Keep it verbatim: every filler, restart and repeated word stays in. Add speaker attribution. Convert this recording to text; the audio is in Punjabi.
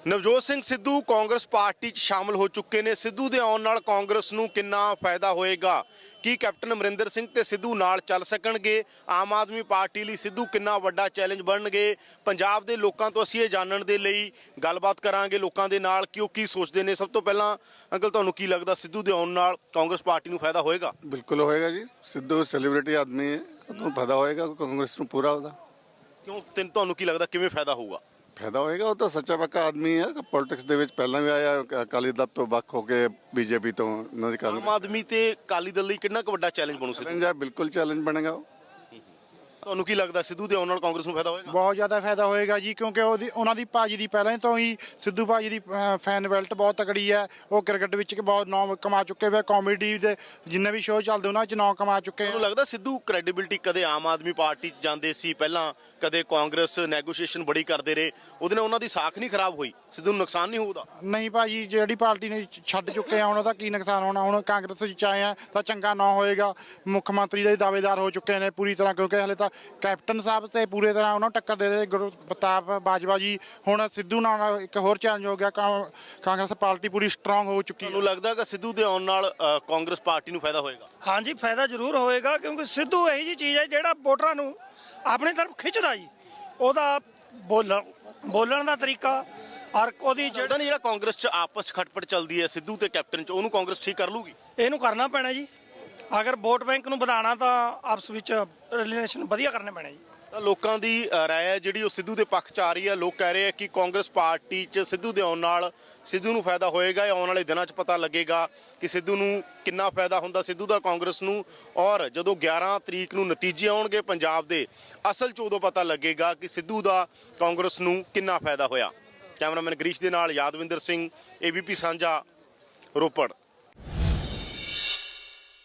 Speaker 1: ਨਵਜੋਤ ਸਿੰਘ ਸਿੱਧੂ ਕਾਂਗਰਸ ਪਾਰਟੀ 'ਚ ਸ਼ਾਮਲ ਹੋ ਚੁੱਕੇ ਨੇ। ਸਿੱਧੂ ਦੇ ਆਉਣ ਨਾਲ ਕਾਂਗਰਸ ਨੂੰ ਕਿੰਨਾ ਫਾਇਦਾ ਹੋਏਗਾ? ਕੀ ਕੈਪਟਨ ਅਮਰਿੰਦਰ ਸਿੰਘ ਤੇ ਸਿੱਧੂ ਨਾਲ ਚੱਲ ਸਕਣਗੇ? ਆਮ ਆਦਮੀ ਪਾਰਟੀ ਲਈ ਸਿੱਧੂ ਕਿੰਨਾ ਵੱਡਾ ਚੈਲੰਜ ਬਣਨਗੇ? ਪੰਜਾਬ ਦੇ ਲੋਕਾਂ ਤੋਂ ਅਸੀਂ ਇਹ ਜਾਣਨ ਦੇ ਲਈ ਗੱਲਬਾਤ ਕਰਾਂਗੇ ਲੋਕਾਂ ਦੇ ਨਾਲ ਕਿ ਉਹ ਕੀ ਸੋਚਦੇ ਨੇ। ਸਭ ਤੋਂ ਪਹਿਲਾਂ ਅੰਕਲ, ਤੁਹਾਨੂੰ ਕੀ ਲੱਗਦਾ ਸਿੱਧੂ ਦੇ ਆਉਣ ਨਾਲ ਕਾਂਗਰਸ ਪਾਰਟੀ ਨੂੰ ਫਾਇਦਾ ਹੋਏਗਾ?
Speaker 2: ਬਿਲਕੁਲ ਹੋਏਗਾ ਜੀ। ਸਿੱਧੂ ਸੈਲੀਬ੍ਰਿਟੀ ਆਦਮੀ ਹੈ, ਉਹਨੂੰ ਫਾਇਦਾ ਹੋਏਗਾ ਕਾਂਗਰਸ ਨੂੰ ਪੂਰਾ। ਉਹਦਾ
Speaker 1: ਕਿਉਂ? ਤੈਨੂੰ ਤੁਹਾਨੂੰ ਕੀ ਲੱਗਦਾ ਕਿਵੇਂ ਫਾਇਦਾ ਹੋਊਗਾ?
Speaker 2: ਫਾਇਦਾ ਹੋਏਗਾ, ਉਹ ਤਾਂ ਸੱਚਾ ਪੱਕਾ ਆਦਮੀ ਹੈ। ਪੋਲਿਟਿਕਸ ਦੇ ਵਿੱਚ ਪਹਿਲਾਂ ਵੀ ਆਇਆ, ਅਕਾਲੀ ਦਲ ਤੋਂ ਵੱਖ ਹੋ ਕੇ ਬੀਜੇਪੀ ਤੋਂ ਉਹਨਾਂ ਦੀ
Speaker 1: ਆਮ ਆਦਮੀ ਤੇ ਅਕਾਲੀ ਦਲ ਲਈ ਕਿੰਨਾ ਕੁ ਵੱਡਾ ਚੈਲੰਜ ਬਣੂ ਸਿੱਧੂ?
Speaker 2: ਚੈਲੰਜ ਹੈ, ਬਿਲਕੁਲ ਚੈਲੰਜ ਬਣੇਗਾ ਉਹ।
Speaker 1: ਤੁਹਾਨੂੰ ਕੀ ਲੱਗਦਾ ਸਿੱਧੂ ਦੇ ਆਉਣ ਨਾਲ ਕਾਂਗਰਸ ਨੂੰ ਫਾਇਦਾ ਹੋਏਗਾ?
Speaker 3: ਬਹੁਤ ਜ਼ਿਆਦਾ ਫਾਇਦਾ ਹੋਏਗਾ ਜੀ, ਕਿਉਂਕਿ ਉਹਦੀ ਉਹਨਾਂ ਦੀ ਭਾਜੀ ਦੀ ਪਹਿਲਾਂ ਤੋਂ ਹੀ ਸਿੱਧੂ ਭਾਜੀ ਦੀ ਫੈਨ ਬੈਲਟ ਬਹੁਤ ਤਕੜੀ ਹੈ। ਉਹ ਕ੍ਰਿਕਟ ਵਿੱਚ ਬਹੁਤ ਨਾਮ ਕਮਾ ਚੁੱਕੇ ਵੇ, ਕਾਮੇਡੀ ਦੇ ਜਿੰਨੇ ਵੀ ਸ਼ੋਅ ਚੱਲਦੇ ਉਹਨਾਂ 'ਚ ਨਾਮ ਕਮਾ ਚੁੱਕੇ।
Speaker 1: ਮੈਨੂੰ ਲੱਗਦਾ ਸਿੱਧੂ ਕ੍ਰੈਡੀਬਿਲਿਟੀ ਕਦੇ ਆਮ ਆਦਮੀ ਪਾਰਟੀ 'ਚ ਜਾਂਦੇ ਸੀ ਪਹਿਲਾਂ, ਕਦੇ ਕਾਂਗਰਸ ਨੈਗੋਸ਼ੀਏਸ਼ਨ ਬੜੀ ਕਰਦੇ ਰਹੇ, ਉਹਦੇ ਨਾਲ ਉਹਨਾਂ ਦੀ ਸਾਖ ਨਹੀਂ ਖਰਾਬ ਹੋਈ? ਸਿੱਧੂ ਨੂੰ ਨੁਕਸਾਨ ਨਹੀਂ ਹੋਊਦਾ?
Speaker 3: ਨਹੀਂ ਭਾਜੀ, ਜਿਹੜੀ ਪਾਰਟੀ ਨੇ ਛੱਡ ਚੁੱਕੇ ਆ ਹੁਣ ਉਹਦਾ ਕੀ ਨੁਕਸਾਨ ਹੋਣਾ? ਹੁਣ ਕਾਂਗਰਸ ਵਿੱਚ ਆਏ ਆ ਤਾਂ ਚੰਗਾ ਨਾ ਹੋਏਗਾ। ਮੁੱਖ ਮੰਤਰੀ ਦੇ ਦਾਅਵੇਦਾਰ ਹੋ ਚੁੱਕੇ ਨੇ ਪੂਰੀ ਤਰ੍ਹਾਂ, ਕਿਉਂਕਿ ਹਲੇ ਤਾਂ ਕੈਪਟਨ ਸਾਹਿਬ ਤੇ ਪੂਰੇ ਤਰ੍ਹਾਂ ਉਹਨਾਂ ਨੂੰ ਟੱਕਰ ਦੇ ਦੇ ਗੁਰਪ੍ਰਤਾਪ ਬਾਜਵਾ ਜੀ। ਹੁਣ ਸਿੱਧੂ ਨਾਲ ਇੱਕ ਹੋਰ ਚੈਲੰਜ ਹੋ ਗਿਆ। ਕਾਂਗਰਸ ਪਾਰਟੀ ਪੂਰੀ ਸਟਰੋਂਗ ਹੋ ਚੁੱਕੀ ਹੈ।
Speaker 1: ਤੁਹਾਨੂੰ ਲੱਗਦਾ ਕਿ ਸਿੱਧੂ ਦੇ ਆਉਣ ਨਾਲ ਕਾਂਗਰਸ ਪਾਰਟੀ ਨੂੰ ਫਾਇਦਾ ਹੋਏਗਾ?
Speaker 4: ਹਾਂਜੀ, ਫਾਇਦਾ ਜ਼ਰੂਰ ਹੋਏਗਾ, ਕਿਉਂਕਿ ਸਿੱਧੂ ਇਹੀ ਜਿਹੀ ਚੀਜ਼ ਹੈ ਜਿਹੜਾ ਵੋਟਰਾਂ ਨੂੰ ਆਪਣੀ ਤਰਫ ਖਿੱਚਦਾ ਜੀ। ਉਹਦਾ ਬੋਲਣ ਬੋਲਣ ਦਾ ਤਰੀਕਾ ਔਰ ਉਹਦੀ
Speaker 1: ਜਿਹੜਾ ਜਿਹੜਾ ਕਾਂਗਰਸ 'ਚ ਆਪਸ ਖਟਪਟ ਚੱਲਦੀ ਹੈ ਸਿੱਧੂ ਤੇ ਕੈਪਟਨ 'ਚ, ਉਹਨੂੰ ਕਾਂਗਰਸ ਠੀਕ ਕਰ ਲੂਗੀ?
Speaker 4: ਇਹਨੂੰ ਕਰਨਾ ਪੈਣਾ ਜੀ। ਅਗਰ ਵੋਟ ਬੈਂਕ ਨੂੰ ਵਧਾਉਣਾ ਤਾਂ ਆਪਸ ਵਿੱਚ ਰਿਲੇਸ਼ਨ ਵਧੀਆ ਕਰਨੇ ਪੈਣੇ ਜੀ।
Speaker 1: ਤਾਂ ਲੋਕਾਂ ਦੀ ਰਾਏ ਹੈ ਜਿਹੜੀ ਉਹ ਸਿੱਧੂ ਦੇ ਪੱਖ 'ਚ ਆ ਰਹੀ ਹੈ। ਲੋਕ ਕਹਿ ਰਹੇ ਆ ਕਿ ਕਾਂਗਰਸ ਪਾਰਟੀ 'ਚ ਸਿੱਧੂ ਦੇ ਆਉਣ ਨਾਲ ਸਿੱਧੂ ਨੂੰ ਫਾਇਦਾ ਹੋਏਗਾ। ਆਉਣ ਵਾਲੇ ਦਿਨਾਂ 'ਚ ਪਤਾ ਲੱਗੇਗਾ ਕਿ ਸਿੱਧੂ ਨੂੰ ਕਿੰਨਾ ਫਾਇਦਾ ਹੁੰਦਾ ਸਿੱਧੂ ਦਾ ਕਾਂਗਰਸ ਨੂੰ। ਔਰ ਜਦੋਂ ਗਿਆਰਾਂ ਤਰੀਕ ਨੂੰ ਨਤੀਜੇ ਆਉਣਗੇ ਪੰਜਾਬ ਦੇ, ਅਸਲ 'ਚ ਉਦੋਂ ਪਤਾ ਲੱਗੇਗਾ ਕਿ ਸਿੱਧੂ ਦਾ ਕਾਂਗਰਸ ਨੂੰ ਕਿੰਨਾ ਫਾਇਦਾ ਹੋਇਆ। ਕੈਮਰਾਮੈਨ ਗਰੀਸ਼ ਦੇ ਨਾਲ Yadwinder Singh, A B P Sanjha, Ropar.